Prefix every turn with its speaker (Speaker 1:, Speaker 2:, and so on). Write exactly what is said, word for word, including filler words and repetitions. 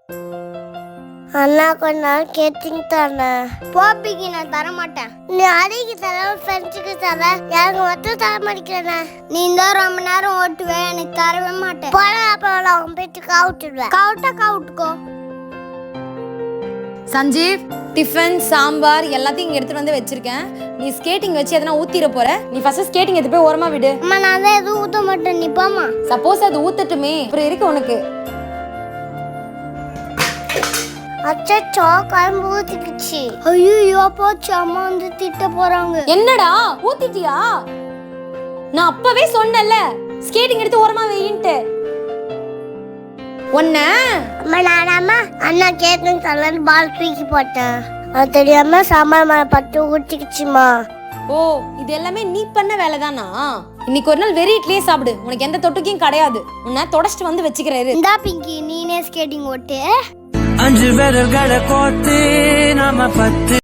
Speaker 1: அண்ணா கொஞ்ச நாள் கேட்டிங் தானே போப்பிக்கு நான் தர மாட்டேன். நீ அடிக்கு தர ஃப்ரெண்ட்ஸுக்கு தர எனக்கு மட்டும் தர மாட்டேங்கிறேண்ணே. நீ தான் ரொம்ப நேரம் ஓட்டுவேன், எனக்கு தரவே மாட்டேன். போட அப்புறம் அவன் போயிட்டு கவுட்டுடுவேன். கவுட்டா கவுட்டுக்கோ.
Speaker 2: சஞ்சீவ், டிஃபன் சாம்பார் எல்லாத்தையும் இங்க எடுத்துட்டு வந்து வச்சிருக்கேன். நீ ஸ்கேட்டிங் வச்சு எதனா ஊத்திர போற. நீ ஃபர்ஸ்ட் ஸ்கேட்டிங் எடுத்து போய் ஓரமா விடு.
Speaker 1: அம்மா நான் தான் எதுவும் ஊத்த மாட்டேன், நீ போமா.
Speaker 2: சப்போஸ் அது ஊத்தட்டுமே, அப்புறம் இருக்கு உனக்கு.
Speaker 1: அச்சோ கரும்பு ஊத்திக்கிச்சு. ஐயோ போச்சு, அம்மா வந்து திட்ட போறாங்க.
Speaker 2: என்னடா ஊத்திட்டியா? நான் அப்பவே சொன்னேன்ல ஸ்கேட்டிங் எடுத்து ஓரமா வையின்ட்டு. ஒன்ன
Speaker 1: அம்மா நானாம்மா அண்ணா கேட்டிங் தரலன்னு பால் தூக்கி போட்டேன். அது தெரியாம சாம்பார் மேல பட்டு ஊத்திக்கிச்சுமா.
Speaker 2: ஓ, இது எல்லாமே நீ பண்ண வேலைதானா? இன்னைக்கு ஒரு நாள் வெறி இட்லியே சாப்பிடு, உனக்கு எந்த தொட்டுக்கையும் கிடையாது. உன்னை தொடச்சிட்டு வந்து வச்சுக்கிறாரு.
Speaker 1: இந்தா பிங்கி, நீனே ஸ்கேட்டிங் ஓட்டு.
Speaker 3: அஞ்சு விரல்களை கோத்து நாம பத்து